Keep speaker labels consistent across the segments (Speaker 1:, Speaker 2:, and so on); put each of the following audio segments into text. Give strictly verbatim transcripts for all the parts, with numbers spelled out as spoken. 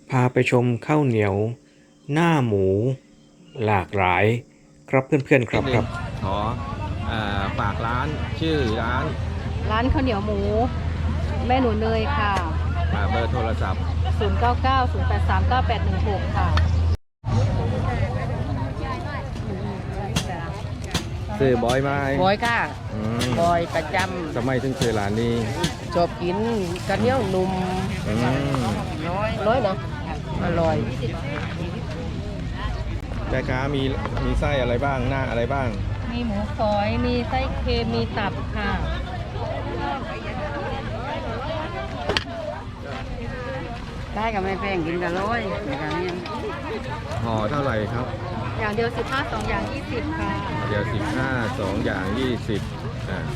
Speaker 1: พาไปชมข้าวเหนียวหน้าหมูหลากหลายครับเพื่อนๆครับครับ
Speaker 2: ขอเอ่อฝากร้านชื่อร้าน
Speaker 3: ร้านข้าวเหนียวหมูแม่หนูเนยค่ะ
Speaker 2: อ่าเบอร์โทรศัพท์
Speaker 3: ศูนย์ เก้า เก้า ศูนย์ แปด สาม เก้า แปด หนึ่ง หก ค่ะ
Speaker 2: ซื้อบอยไหม
Speaker 4: บอยค่ะ
Speaker 2: อืม
Speaker 4: บอยประจ
Speaker 2: ทำไมถึงซื้อร้านนี้
Speaker 4: ำชอบกินกระเหนียวนุ่ม
Speaker 2: อืม
Speaker 4: ร้อยนะอร่อย
Speaker 2: แม่ค้ามีมีไส้อะไรบ้างหน้าอะไรบ้าง
Speaker 3: มีหมูฝอย มีไส้เค็ม มีตับค่ะ
Speaker 4: ได้กับไม่แพงกินกันร้อยในการนี้
Speaker 2: ห่อเท่าไหร่ครับ
Speaker 3: อย่างเดียวสิบห้า สองอย่างยี่สิบค่ะ
Speaker 2: เดี๋ยวสิบห้าสองอย่างยี่สิบอ่า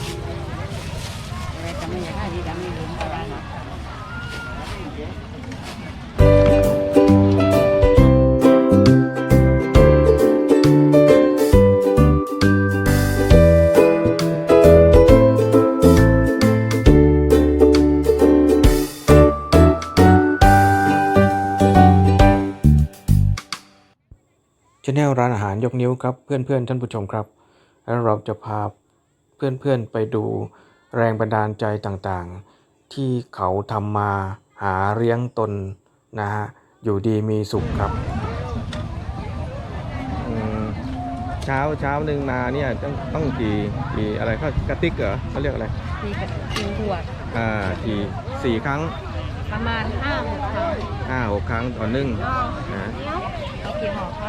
Speaker 4: แต่จะไม่อยากให้ดีกันไม่รู้อะไรหรอก
Speaker 1: ชแนลร้านอาหารยกนิ้วครับเพื่อนๆท่านผู้ชมครับแล้วเราจะพาเพื่อนๆไปดูแรงบันดาลใจต่างๆ ที่เขาทำมาหาเลี้ยงตนนะฮะอยู่ดีมีสุขครับ
Speaker 2: อืมเช้าเช้าหนึ่งมาเนี่ยต้องต้องกี่กี่อะไรเขากระติกเหรอเขาเรียกอะไร
Speaker 3: มีกระทิงถั่ว
Speaker 2: อ่ากี่สี่ครั้ง
Speaker 3: ประมาณห้าหกครั้ง
Speaker 2: ห้าหกครั้งต่อนึ่งนะ
Speaker 3: เอากี่ห่อคะ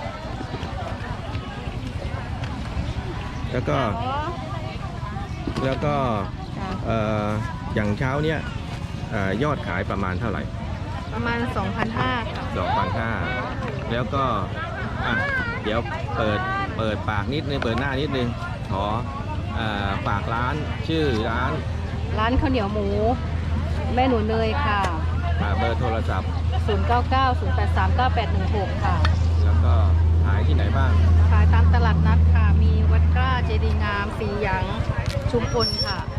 Speaker 2: แล้วก็แล้วก็
Speaker 3: จ้ะ
Speaker 2: เอ่ออย่างเช้าเนี่ยเอ่อยอดขายประมาณเท่าไหร่
Speaker 3: ประมาณ สองพันห้าร้อย ค่ะ
Speaker 2: สองพันห้าแล้วก็อ่ะเดี๋ยวเปิดเปิดปากนิดนึงเปิดหน้านิดนึงขอเอ่อฝากร้านชื่อร้าน
Speaker 3: ร้านข้าวเหนียวหมูแม่หนูเนยค่ะ
Speaker 2: อ่าเบอร์โทรศัพท์
Speaker 3: ศูนย์ เก้า เก้า ศูนย์ แปด สาม เก้า แปด หนึ่ง หก ค่ะ
Speaker 2: แล้วก็ขายที่ไหนบ้าง
Speaker 3: ขายตามตลาดนัดค่ะ มีวัดกล้าเจดีย์งาม สีหยัง ชุมพลค่ะ